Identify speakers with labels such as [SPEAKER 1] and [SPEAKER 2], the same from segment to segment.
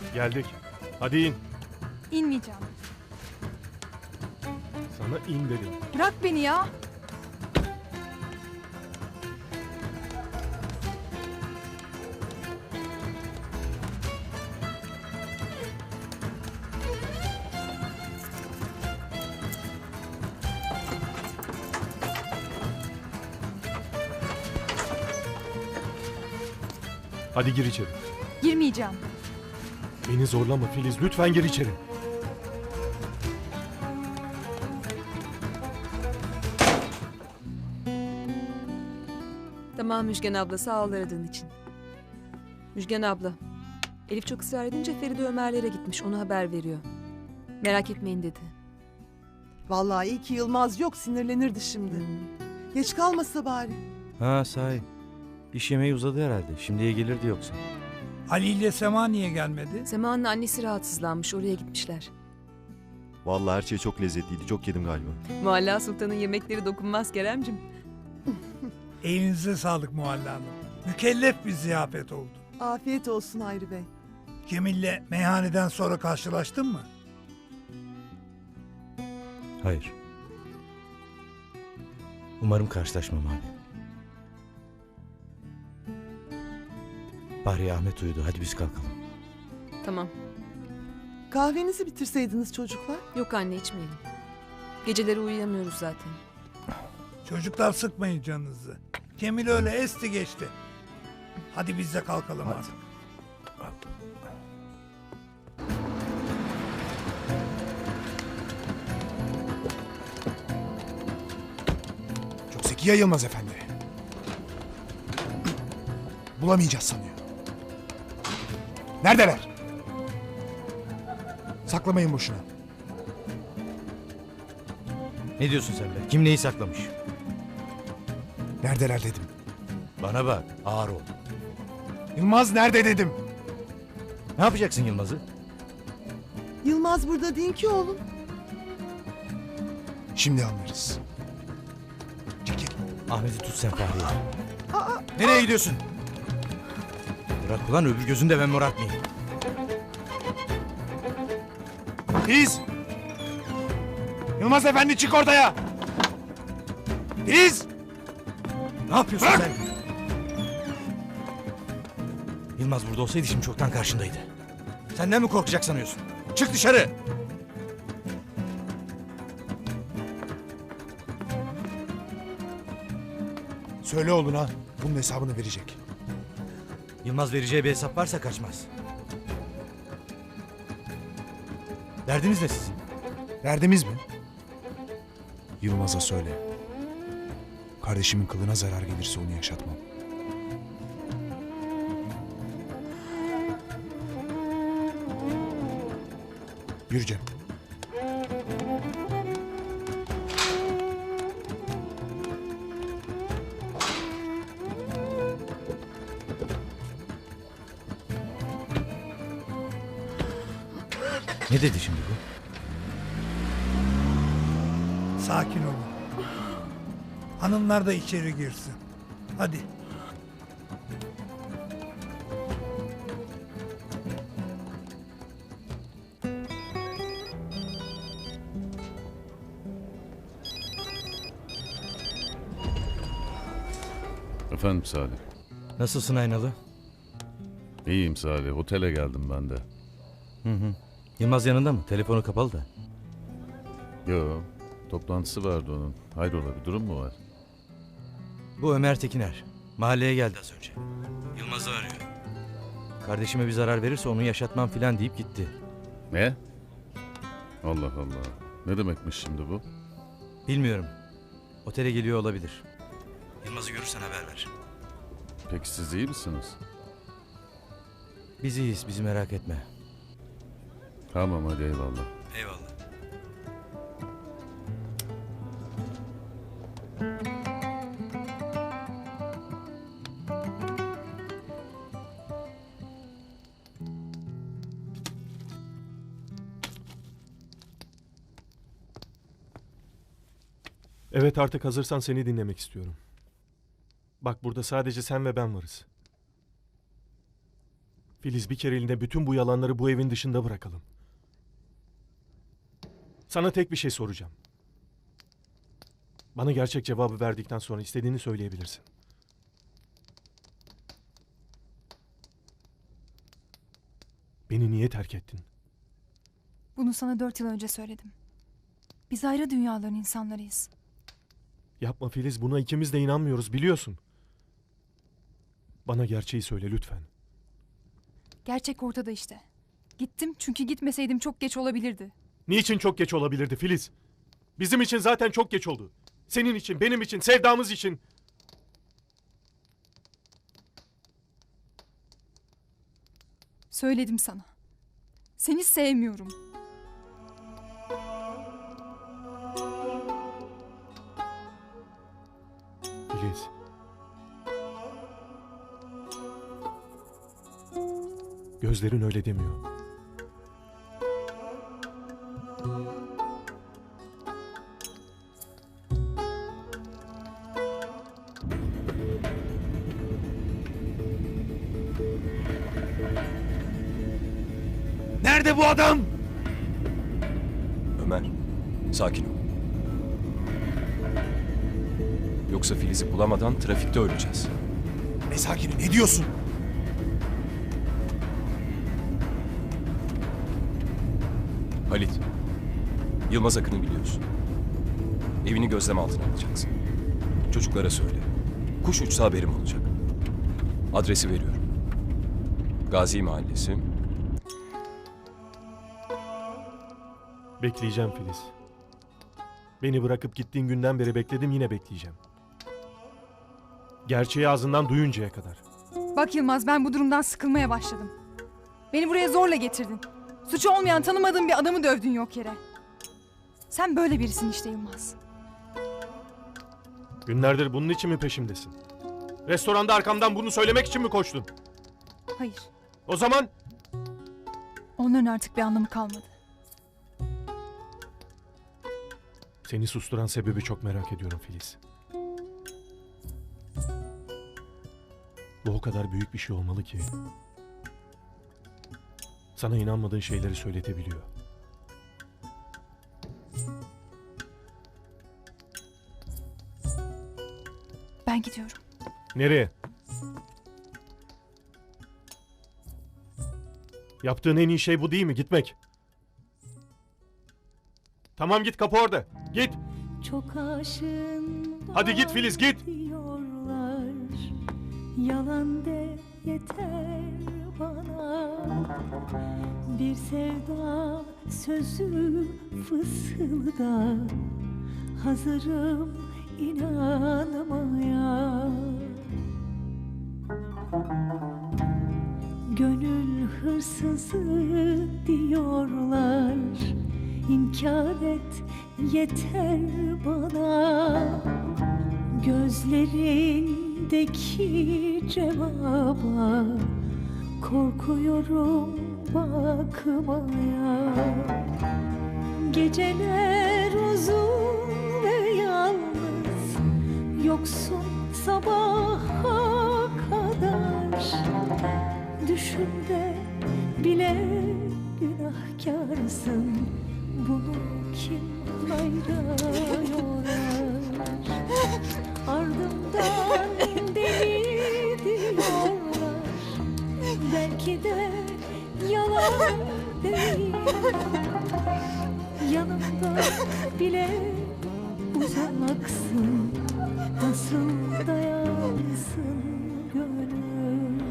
[SPEAKER 1] Geldik. Hadi in.
[SPEAKER 2] İnmeyeceğim.
[SPEAKER 1] Sana in dedim.
[SPEAKER 2] Bırak beni ya.
[SPEAKER 1] Hadi gir içeri.
[SPEAKER 2] Girmeyeceğim.
[SPEAKER 1] Beni zorlama Filiz. Lütfen gir içeri.
[SPEAKER 3] Tamam Müjgan abla, sağ ol aradığın için. Müjgan abla, Elif çok ısrar edince Feride Ömer'lere gitmiş, onu haber veriyor. Merak etmeyin dedi.
[SPEAKER 4] Vallahi iyi ki Yılmaz yok, sinirlenirdi şimdi. Geç kalmasa bari.
[SPEAKER 5] Ha sahi. İş yemeği uzadı herhalde. Şimdiye gelirdi yoksa.
[SPEAKER 6] Ali ile Sema niye gelmedi?
[SPEAKER 3] Sema'nın annesi rahatsızlanmış, oraya gitmişler.
[SPEAKER 7] Vallahi her şey çok lezzetliydi. Çok yedim galiba.
[SPEAKER 3] Mualla Sultan'ın yemekleri dokunmaz Keremcim.
[SPEAKER 6] Elinize sağlık Muhalla Hanım. Mükellef bir ziyafet oldu.
[SPEAKER 4] Afiyet olsun Hayri Bey.
[SPEAKER 6] Cemil'le meyhaneden sonra karşılaştın mı?
[SPEAKER 5] Hayır. Umarım karşılaşmam abi. Bahriye Ahmet uyudu. Hadi biz kalkalım.
[SPEAKER 3] Tamam.
[SPEAKER 4] Kahvenizi bitirseydiniz çocuklar.
[SPEAKER 3] Yok anne, içmeyelim. Geceleri uyuyamıyoruz zaten.
[SPEAKER 6] Çocuklar sıkmayın canınızı. Cemil öyle esti geçti. Hadi biz de kalkalım artık.
[SPEAKER 8] Çok zeki ya Yılmaz Efendi. Bulamayacağız sanıyor. Neredeler? Saklamayın boşuna.
[SPEAKER 5] Ne diyorsun sen be? Kim neyi saklamış?
[SPEAKER 8] Neredeler dedim.
[SPEAKER 5] Bana bak. Ağır ol.
[SPEAKER 8] Yılmaz nerede dedim.
[SPEAKER 5] Ne yapacaksın Yılmaz'ı?
[SPEAKER 4] Yılmaz burada değil ki oğlum.
[SPEAKER 8] Şimdi anlarız. Çekil.
[SPEAKER 5] Ahmet'i tut sen Fahriye. Nereye gidiyorsun? Bırak ulan, öbür gözünde ben morartmayayım.
[SPEAKER 8] Filiz! Yılmaz Efendi çık ortaya! Filiz!
[SPEAKER 5] Ne yapıyorsun
[SPEAKER 8] Bırak!
[SPEAKER 5] sen? Yılmaz burada olsaydı şimdi çoktan karşındaydı. Senden mi korkacak sanıyorsun? Çık dışarı!
[SPEAKER 8] Söyle oğluna bunun hesabını verecek.
[SPEAKER 5] Yılmaz vereceği bir hesap varsa kaçmaz. Derdiniz ne sizin?
[SPEAKER 8] Derdimiz mi? Yılmaz'a söyle. Kardeşimin kılına zarar gelirse onu yaşatmam. Yürü Cem.
[SPEAKER 5] Ne dedi şimdi bu?
[SPEAKER 6] Sakin olun. Hanımlar da içeri girsin. Hadi.
[SPEAKER 9] Efendim Salih.
[SPEAKER 5] Nasılsın Aynalı?
[SPEAKER 9] İyiyim Salih. Otele geldim ben de.
[SPEAKER 5] Yılmaz yanında mı? Telefonu kapalı da.
[SPEAKER 9] Yo, toplantısı vardı onun. Hayrola, bir durum mu var?
[SPEAKER 5] Bu Ömer Tekiner. Mahalleye geldi az önce. Yılmaz'ı arıyor. Kardeşime bir zarar verirse onu yaşatmam filan deyip gitti.
[SPEAKER 9] Ne? Allah Allah. Ne demekmiş şimdi bu?
[SPEAKER 5] Bilmiyorum. Otele geliyor olabilir. Yılmaz'ı görürsen haber ver.
[SPEAKER 9] Peki siz iyi misiniz?
[SPEAKER 5] Biz iyiyiz, bizi merak etme.
[SPEAKER 9] Tamam hadi eyvallah.
[SPEAKER 5] Eyvallah.
[SPEAKER 1] Evet, artık hazırsan seni dinlemek istiyorum. Bak, burada sadece sen ve ben varız. Filiz, bir kereliğine bütün bu yalanları bu evin dışında bırakalım. Sana tek bir şey soracağım. Bana gerçek cevabı verdikten sonra istediğini söyleyebilirsin. Beni niye terk ettin?
[SPEAKER 2] Bunu sana 4 yıl önce söyledim. Biz ayrı dünyaların insanlarıyız.
[SPEAKER 1] Yapma Filiz, buna ikimiz de inanmıyoruz, biliyorsun. Bana gerçeği söyle lütfen.
[SPEAKER 2] Gerçek ortada işte. Gittim çünkü gitmeseydim çok geç olabilirdi.
[SPEAKER 1] Niçin çok geç olabilirdi Filiz? Bizim için zaten çok geç oldu. Senin için, benim için, sevdamız için.
[SPEAKER 2] Söyledim sana. Seni sevmiyorum.
[SPEAKER 1] Filiz. Gözlerin öyle demiyor.
[SPEAKER 8] Nerede bu adam?
[SPEAKER 10] Ömer, sakin ol. Yoksa Filiz'i bulamadan trafikte öleceğiz.
[SPEAKER 8] Ne sakini, ne diyorsun?
[SPEAKER 10] Halit, Yılmaz Akın'ı biliyorsun. Evini gözlem altına alacaksın. Çocuklara söyle. Kuş uçsa haberim olacak. Adresi veriyorum. Gazi Mahallesi.
[SPEAKER 1] Bekleyeceğim Filiz. Beni bırakıp gittiğin günden beri bekledim, yine bekleyeceğim. Gerçeği ağzından duyuncaya kadar.
[SPEAKER 2] Bak Yılmaz, ben bu durumdan sıkılmaya başladım. Beni buraya zorla getirdin. Suçu olmayan, tanımadığın bir adamı dövdün yok yere. Sen böyle birisin işte Yılmaz.
[SPEAKER 1] Günlerdir bunun için mi peşimdesin? Restoranda arkamdan bunu söylemek için mi koştun?
[SPEAKER 2] Hayır.
[SPEAKER 1] O zaman
[SPEAKER 2] Onların artık bir anlamı kalmadı.
[SPEAKER 1] seni susturan sebebi çok merak ediyorum Filiz. Bu o kadar büyük bir şey olmalı ki sana inanmadığın şeyleri söyletebiliyor.
[SPEAKER 2] Ben gidiyorum.
[SPEAKER 1] Nereye? Yaptığın en iyi şey bu değil mi? Gitmek. Tamam, git, kapı orada. Git.
[SPEAKER 11] Çok aşığım.
[SPEAKER 1] Hadi git Filiz, git.
[SPEAKER 11] Diyorlar. Yalan de yeter bana. Bir sevda sözü fısılda. Hazırım inanmaya. Gönül hırsızı diyorlar. İnkar et yeter bana. Gözlerindeki cevaba korkuyorum bakmaya. Geceler uzun ve yalnız, yoksun sabaha kadar. Düşümde bile günahkarsın. Bunu kim hayra yorar? Ardımdan deli diyorlar. Belki de yalan değil. Yanımda bile uzaksın. Nasıl dayansın gönül?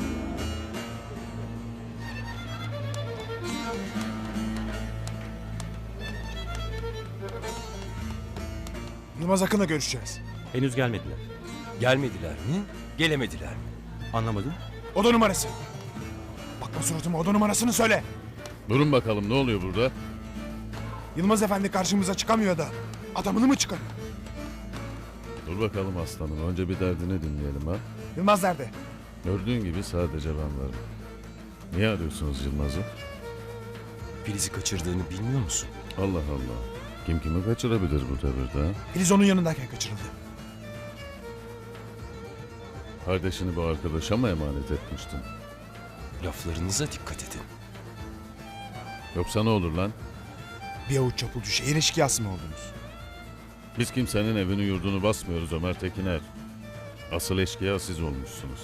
[SPEAKER 8] Yılmaz Akın'la görüşeceğiz.
[SPEAKER 5] Henüz gelmediler.
[SPEAKER 10] Gelmediler mi? Gelemediler mi?
[SPEAKER 5] Anlamadım.
[SPEAKER 8] Oda numarası. Bakma suratıma, oda numarasını söyle.
[SPEAKER 9] Durun bakalım, ne oluyor burada?
[SPEAKER 8] Yılmaz Efendi karşımıza çıkamıyor da. Adamını mı çıkarıyor?
[SPEAKER 9] Dur bakalım aslanım, önce bir derdini dinleyelim ha.
[SPEAKER 8] Yılmaz nerede?
[SPEAKER 9] Gördüğün gibi sadece ben varım. Niye arıyorsunuz Yılmaz'ı?
[SPEAKER 10] Filiz'i kaçırdığını bilmiyor musun?
[SPEAKER 9] Allah Allah. Kim kimi kaçırabilir bu devirde ha?
[SPEAKER 8] Filiz onun yanındayken kaçırıldı.
[SPEAKER 9] Kardeşini bu arkadaşa mı emanet etmiştin?
[SPEAKER 10] Laflarınıza dikkat edin.
[SPEAKER 9] Yoksa ne olur lan?
[SPEAKER 8] Bir avuç çapulcu şehir eşkıyası mı oldunuz?
[SPEAKER 9] Biz kimsenin evini yurdunu basmıyoruz Ömer Tekiner. Asıl eşkıya siz olmuşsunuz.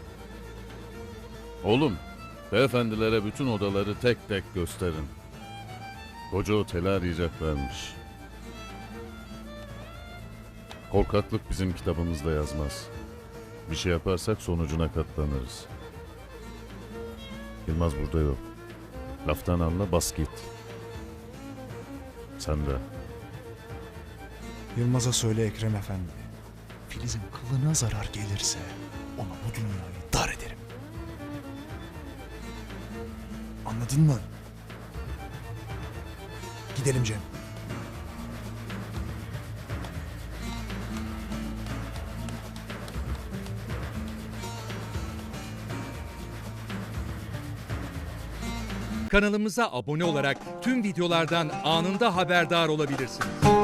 [SPEAKER 9] Oğlum, beyefendilere bütün odaları tek tek gösterin. Koca oteli arayacaklarmış. Korkaklık bizim kitabımızda yazmaz. Bir şey yaparsak sonucuna katlanırız. Yılmaz burada yok. Laftan anla, bas git. Sen de.
[SPEAKER 8] Yılmaz'a söyle Ekrem Efendi. Filiz'in kılına zarar gelirse ona bu dünyayı dar ederim. Anladın mı? Gidelim Cem.
[SPEAKER 12] Kanalımıza abone olarak tüm videolardan anında haberdar olabilirsiniz.